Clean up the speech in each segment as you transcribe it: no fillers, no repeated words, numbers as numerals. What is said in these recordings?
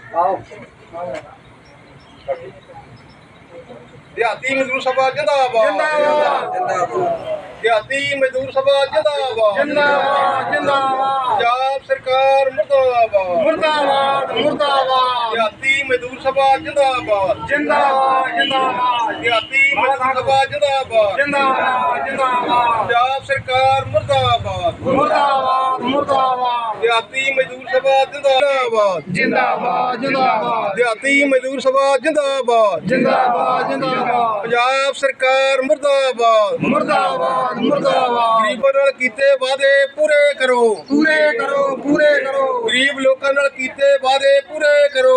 ਦਿਹਾਤੀ ਮਜ਼ਦੂਰ ਸਭਾ ਜਿੰਦਾਬਾਦ ਦਿਹਾਤੀ ਮਜ਼ਦੂਰ ਸਭਾ ਜਿੰਦਾਬਾਦ ਪੰਜਾਬ ਸਰਕਾਰ ਮੁਰਦਾਬਾਦ ਦਿਹਾਤੀ ਮਜ਼ਦੂਰ ਸਭਾ ਜਿੰਦਾਬਾਦ ਦਿਹਾਤੀ ਮਜ਼ਦੂਰ ਸਭਾ ਜਿੰਦਾਬਾਦ ਪੰਜਾਬ ਸਰਕਾਰ ਮੁਰਦਾਬਾਦ ਦਿਹਾਤੀ ਮਜ਼ਦੂਰ ਸਭਾ ਜਿੰਦਾਬਾਦ ਦਿਹਾਤੀ ਮਜ਼ਦੂਰ ਸਭਾ ਜਿੰਦਾਬਾਦ ਪੰਜਾਬ ਸਰਕਾਰ ਮੁਰਦਾਬਾਦ ਗਰੀਬਾਂ ਨਾਲ ਕੀਤੇ ਵਾਅਦੇ ਪੂਰੇ ਕਰੋ ਗਰੀਬ ਲੋਕਾਂ ਨਾਲ ਕੀਤੇ ਵਾਅਦੇ ਪੂਰੇ ਕਰੋ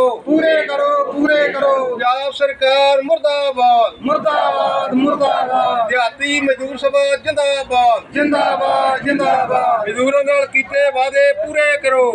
ਪੰਜਾਬ ਸਰਕਾਰ ਮੁਰਦਾਬਾਦ ਦਿਹਾਤੀ ਮਜ਼ਦੂਰ ਸਭਾ ਜਿੰਦਾਬਾਦ ਮਜ਼ਦੂਰਾਂ ਨਾਲ ਕੀਤੇ ਵਾਅਦੇ ਪੂਰੇ ਕਰੋ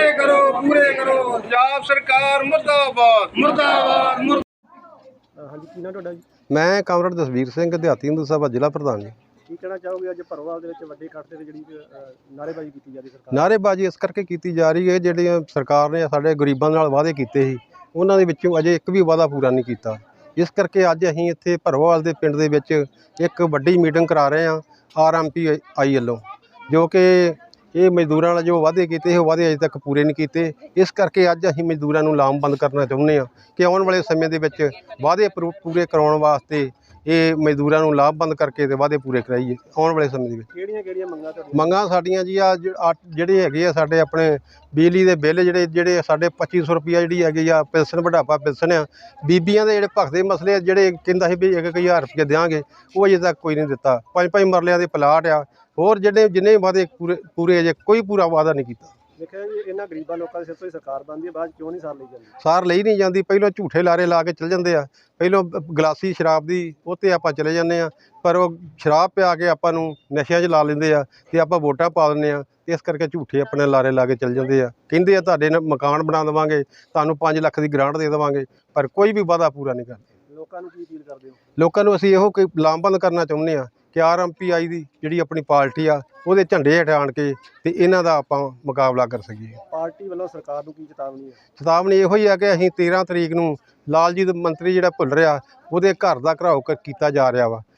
ਪੰਜਾਬ ਸਰਕਾਰ ਮੁਰਦਾਬਾਦ ਹਾਂਜੀ ਕੀ ਨਾਮ ਤੁਹਾਡਾ ਜੀ? ਮੈਂ ਕਾਮਰੇਡ ਦਸਵੀਰ ਸਿੰਘ ਦਿਹਾਤੀ ਹਿੰਦੂ ਸਭਾ ਜ਼ਿਲ੍ਹਾ ਪ੍ਰਧਾਨ ਜੀ। ਕੀ ਕਹਿਣਾ ਚਾਹੋਗੇ ਅੱਜ ਭਰੋਵਾਲ ਦੇ ਵਿੱਚ ਵੱਡੇ ਇਕੱਠ ਤੇ ਜਿਹੜੀ ਨਾਅਰੇਬਾਜ਼ੀ ਕੀਤੀ ਜਾ ਰਹੀ ਸਰਕਾਰ? ਨਾਅਰੇਬਾਜ਼ੀ ਇਸ ਕਰਕੇ ਕੀਤੀ ਜਾ ਰਹੀ ਹੈ, ਜਿਹੜੀਆਂ ਸਰਕਾਰ ਨੇ ਸਾਡੇ ਗਰੀਬਾਂ ਨਾਲ ਵਾਅਦੇ ਕੀਤੇ ਸੀ ਉਹਨਾਂ ਦੇ ਵਿੱਚੋਂ ਅਜੇ ਇੱਕ ਵੀ ਵਾਅਦਾ ਪੂਰਾ ਨਹੀਂ ਕੀਤਾ। ਇਸ ਕਰਕੇ ਅੱਜ ਅਸੀਂ ਇੱਥੇ ਭਰੋਵਾਲ ਦੇ ਪਿੰਡ ਦੇ ਵਿੱਚ ਇੱਕ ਵੱਡੀ ਮੀਟਿੰਗ ਕਰਾ ਰਹੇ ਹਾਂ RMPI ਵੱਲੋਂ, ਜੋ ਕਿ ਇਹ ਮਜ਼ਦੂਰਾਂ ਨਾਲ ਜੋ ਵਾਅਦੇ ਕੀਤੇ ਉਹ ਵਾਅਦੇ ਅਜੇ ਤੱਕ ਪੂਰੇ ਨਹੀਂ ਕੀਤੇ। ਇਸ ਕਰਕੇ ਅੱਜ ਅਸੀਂ ਮਜ਼ਦੂਰਾਂ ਨੂੰ ਲਾਮਬੰਦ ਕਰਨਾ ਚਾਹੁੰਦੇ ਹਾਂ ਕਿ ਆਉਣ ਵਾਲੇ ਸਮੇਂ ਦੇ ਵਿੱਚ ਵਾਅਦੇ ਪੂਰੇ ਕਰਾਉਣ ਵਾਸਤੇ ਇਹ ਮਜ਼ਦੂਰਾਂ ਨੂੰ ਲਾਮਬੰਦ ਕਰਕੇ ਤੇ ਵਾਅਦੇ ਪੂਰੇ ਕਰਾਈਏ ਆਉਣ ਵਾਲੇ ਸਮੇਂ ਦੇ ਵਿੱਚ। ਕਿਹੜੀਆਂ ਮੰਗਾਂ ਤੁਹਾਡੀਆਂ? ਮੰਗਾਂ ਸਾਡੀਆਂ ਜੀ ਜਿਹੜੇ ਹੈਗੇ ਆ ਸਾਡੇ ਆਪਣੇ ਬਿਜਲੀ ਦੇ ਬਿੱਲ ਜਿਹੜੇ ਸਾਡੇ 2500 ਰੁਪਈਆ ਜਿਹੜੀ ਹੈਗੀ ਆ ਪੈਨਸ਼ਨ ਬੁਢਾਪਾ ਪੈਨਸ਼ਨ ਆ, ਬੀਬੀਆਂ ਦੇ ਜਿਹੜੇ ਭਗਦੇ ਮਸਲੇ ਆ ਜਿਹੜੇ ਕਹਿੰਦਾ ਸੀ ਵੀ 1000 ਰੁਪਈਆ ਦੇਵਾਂਗੇ, ਉਹ ਅਜੇ ਤੱਕ ਕੋਈ ਨਹੀਂ ਦਿੱਤਾ। 5-5 ਮਰਲਿਆਂ ਦੇ ਪਲਾਟ ਆ, ਹੋਰ ਜਿੰਨੇ ਵਾਅਦੇ ਪੂਰੇ ਅਜੇ ਕੋਈ ਪੂਰਾ ਵਾਅਦਾ ਨਹੀਂ ਕੀਤਾ। ਦੇਖਿਆ ਜੀ ਇਹਨਾਂ ਗਰੀਬਾਂ ਲੋਕਾਂ ਦੇ ਸਿਰ ਤੋਂ ਹੀ ਸਰਕਾਰ ਬਣਦੀ ਹੈ, ਬਾਅਦ ਕਿਉਂ ਨਹੀਂ ਸਾਰ ਲਈ ਜਾਂਦੀ? ਸਾਰ ਲਈ ਨਹੀਂ ਜਾਂਦੀ। ਪਹਿਲਾਂ ਝੂਠੇ ਲਾਰੇ ਲਾ ਕੇ ਚਲ ਜਾਂਦੇ ਆ, ਪਹਿਲਾਂ ਗਲਾਸੀ ਸ਼ਰਾਬ ਦੀ ਉਹ 'ਤੇ ਆਪਾਂ ਚਲੇ ਜਾਂਦੇ ਆ, ਪਰ ਉਹ ਸ਼ਰਾਬ ਪਿਆ ਕੇ ਆਪਾਂ ਨੂੰ ਨਸ਼ਿਆਂ 'ਚ ਲਾ ਲੈਂਦੇ ਆ ਅਤੇ ਆਪਾਂ ਵੋਟਾਂ ਪਾ ਦਿੰਦੇ ਆ। ਇਸ ਕਰਕੇ ਝੂਠੇ ਆਪਣੇ ਲਾਰੇ ਲਾ ਕੇ ਚਲ ਜਾਂਦੇ ਆ, ਕਹਿੰਦੇ ਆ ਤੁਹਾਡੇ ਮਕਾਨ ਬਣਾ ਦੇਵਾਂਗੇ, ਤੁਹਾਨੂੰ 5 ਲੱਖ ਦੀ ਗ੍ਰਾਂਟ ਦੇ ਦੇਵਾਂਗੇ, ਪਰ ਕੋਈ ਵੀ ਵਾਅਦਾ ਪੂਰਾ ਨਹੀਂ ਕਰਦੇ। ਲੋਕਾਂ ਨੂੰ ਕੀ ਅਪੀਲ ਕਰਦੇ ਹੋ? ਲੋਕਾਂ ਨੂੰ ਅਸੀਂ ਇਹੋ ਕੋਈ ਲਾਮਬੰਦ ਕਰਨਾ ਚਾਹੁੰਦੇ ਆ ਕਿ RMPI ਦੀ ਜਿਹੜੀ ਆਪਣੀ ਪਾਰਟੀ ਆ ਉਹਦੇ ਝੰਡੇ ਹੇਠ ਆਣ ਕੇ ਤੇ ਇਹਨਾਂ ਦਾ ਆਪਾਂ ਮੁਕਾਬਲਾ ਕਰ ਸਕੀਏ। ਪਾਰਟੀ ਵੱਲੋਂ ਸਰਕਾਰ ਨੂੰ ਕੀ ਚੇਤਾਵਨੀ ਹੈ? ਚੇਤਾਵਨੀ ਇਹੋ ਹੀ ਆ ਕਿ ਅਸੀਂ 13 ਤਰੀਕ ਨੂੰ ਲਾਲਜੀਤ ਮੰਤਰੀ ਜਿਹੜਾ ਭੁੱਲ ਰਿਹਾ ਉਹਦੇ ਘਰ ਦਾ ਘਰਾਓ ਕੀਤਾ ਜਾ ਰਿਹਾ ਵਾ।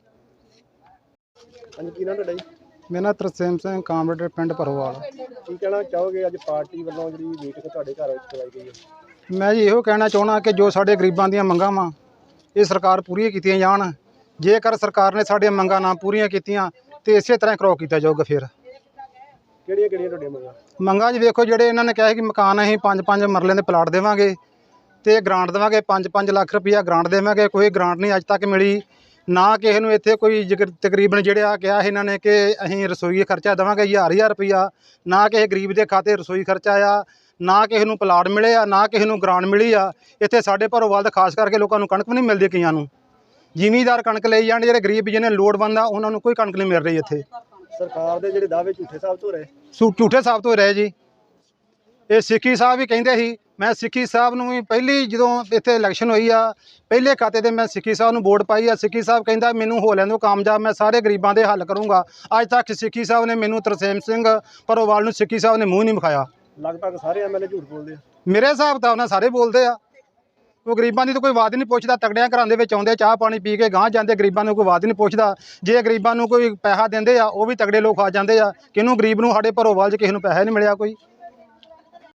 ਹਾਂਜੀ ਕੀ ਨਾਮ ਤੁਹਾਡਾ ਜੀ? ਮੇਰਾ ਤਰਸੇਮ ਸਿੰਘ ਕਾਮਰੇਡ ਪਿੰਡ ਭਰੋਵਾਲ। ਕੀ ਕਹਿਣਾ ਚਾਹੋਗੇ ਅੱਜ ਪਾਰਟੀ ਵੱਲੋਂ ਜਿਹੜੀ ਮੀਟਿੰਗ ਤੁਹਾਡੇ ਘਰ ਵਿੱਚ ਕਰਵਾਈ ਗਈ ਹੈ? ਮੈਂ ਜੀ ਇਹੋ ਕਹਿਣਾ ਚਾਹੁੰਦਾ ਕਿ ਜੋ ਸਾਡੇ ਗਰੀਬਾਂ ਦੀਆਂ ਮੰਗਾਂ ਵਾ ਇਹ ਸਰਕਾਰ ਪੂਰੀਆਂ ਕੀਤੀਆਂ ਜਾਣ। ਜੇਕਰ ਸਰਕਾਰ ਨੇ ਸਾਡੀਆਂ ਮੰਗਾਂ ਨਾ ਪੂਰੀਆਂ ਕੀਤੀਆਂ ਤੇ ਇਸੇ ਤਰ੍ਹਾਂ ਘਰਾਓ ਕੀਤਾ ਜਾਊਗਾ। ਫਿਰ ਕਿਹੜੀਆਂ ਤੁਹਾਡੀਆਂ ਮੰਗਾਂ 'ਚ ਵੇਖੋ, ਜਿਹੜੇ ਇਹਨਾਂ ਨੇ ਕਿਹਾ ਕਿ ਮਕਾਨ ਅਸੀਂ 5-5 ਮਰਲਿਆਂ ਦੇ ਪਲਾਟ ਦੇਵਾਂਗੇ ਤੇ ਗ੍ਰਾਂਟ ਦੇਵਾਂਗੇ, 5-5 ਲੱਖ ਰੁਪਈਆ ਗ੍ਰਾਂਟ ਦੇਵਾਂਗੇ। ਕੋਈ ਗ੍ਰਾਂਟ ਨਹੀਂ ਅੱਜ ਤੱਕ ਮਿਲੀ, ਨਾ ਕਿਸੇ ਨੂੰ ਇੱਥੇ ਕੋਈ ਤਕਰੀਬਨ ਜਿਹੜੇ ਆ ਕਿਹਾ ਇਹਨਾਂ ਨੇ ਕਿ ਅਸੀਂ ਰਸੋਈ ਖਰਚਾ ਦੇਵਾਂਗੇ 1000 ਰੁਪਈਆ, ਨਾ ਕਿਸੇ ਗਰੀਬ ਦੇ ਖਾਤੇ ਰਸੋਈ ਖਰਚਾ ਆ, ਨਾ ਕਿਸੇ ਨੂੰ ਪਲਾਟ ਮਿਲੇ ਆ, ਨਾ ਕਿਸੇ ਨੂੰ ਗ੍ਰਾਂਟ ਮਿਲੀ ਆ। ਇੱਥੇ ਸਾਡੇ ਭਰੋਵਾਲ ਦਾ ਖਾਸ ਕਰਕੇ ਲੋਕਾਂ ਨੂੰ ਕਣਕ ਵੀ ਨਹੀਂ ਮਿਲਦੀ, ਕਈਆਂ ਨੂੰ ਜ਼ਿਮੀਂਦਾਰ ਕਣਕ ਲਈ ਜਾਣ, ਜਿਹੜੇ ਗਰੀਬ ਜਿਹਨੇ ਲੋੜਵੰਦ ਆ ਉਹਨਾਂ ਨੂੰ ਕੋਈ ਕਣਕ ਨਹੀਂ ਮਿਲ ਰਹੀ। ਇੱਥੇ ਸਰਕਾਰ ਦੇ ਜਿਹੜੇ ਦਾਅਵੇ ਝੂਠੇ ਸਾਬਤ ਹੋ ਰਹੇ ਝੂਠੇ ਸਾਬਤ ਹੋ ਰਹੇ ਜੀ। ਇਹ ਸਿੱਖੀ ਸਾਹਿਬ ਵੀ ਕਹਿੰਦੇ ਸੀ, ਮੈਂ ਸਿੱਖੀ ਸਾਹਿਬ ਨੂੰ ਵੀ ਪਹਿਲੀ ਜਦੋਂ ਇੱਥੇ ਇਲੈਕਸ਼ਨ ਹੋਈ ਆ ਪਹਿਲੇ ਖਾਤੇ ਤੇ ਮੈਂ ਸਿੱਖੀ ਸਾਹਿਬ ਨੂੰ ਵੋਟ ਪਾਈ ਆ। ਸਿੱਖੀ ਸਾਹਿਬ ਕਹਿੰਦਾ ਮੈਨੂੰ ਹੋ ਲੈਣ ਦਿਓ ਕਾਮਯਾਬ, ਮੈਂ ਸਾਰੇ ਗਰੀਬਾਂ ਦੇ ਹੱਲ ਕਰੂੰਗਾ। ਅੱਜ ਤੱਕ ਸਿੱਖੀ ਸਾਹਿਬ ਨੇ ਮੈਨੂੰ ਤਰਸੇਮ ਸਿੰਘ ਭਰੋਵਾਲ ਨੂੰ ਸਿੱਖੀ ਸਾਹਿਬ ਨੇ ਮੂੰਹ ਨਹੀਂ ਵਿਖਾਇਆ। ਲਗਭਗ ਸਾਰੇ MLA ਝੂਠ ਬੋਲਦੇ ਆ ਮੇਰੇ ਹਿਸਾਬ ਤਾਂ ਉਹਨਾਂ ਸਾਰੇ ਬੋਲਦੇ ਆ। ਉਹ ਗਰੀਬਾਂ ਦੀ ਤਾਂ ਕੋਈ ਬਾਤ ਨਹੀਂ ਪੁੱਛਦਾ। ਤਗੜਿਆਂ ਘਰਾਂ ਦੇ ਵਿੱਚ ਆਉਂਦੇ ਚਾਹ ਪਾਣੀ ਪੀ ਕੇ ਗਾਂਹ ਜਾਂਦੇ, ਗਰੀਬਾਂ ਨੂੰ ਕੋਈ ਬਾਤ ਨਹੀਂ ਪੁੱਛਦਾ। ਜੇ ਗਰੀਬਾਂ ਨੂੰ ਕੋਈ ਪੈਸਾ ਦਿੰਦੇ ਆ ਉਹ ਵੀ ਤਗੜੇ ਲੋਕ ਆ ਜਾਂਦੇ ਆ। ਕਿਹਨੂੰ ਗਰੀਬ ਨੂੰ ਸਾਡੇ ਭਰੋਵਾਲ 'ਚ ਕਿਸੇ ਨੂੰ ਪੈਸਾ ਨਹੀਂ ਮਿਲਿਆ ਕੋਈ।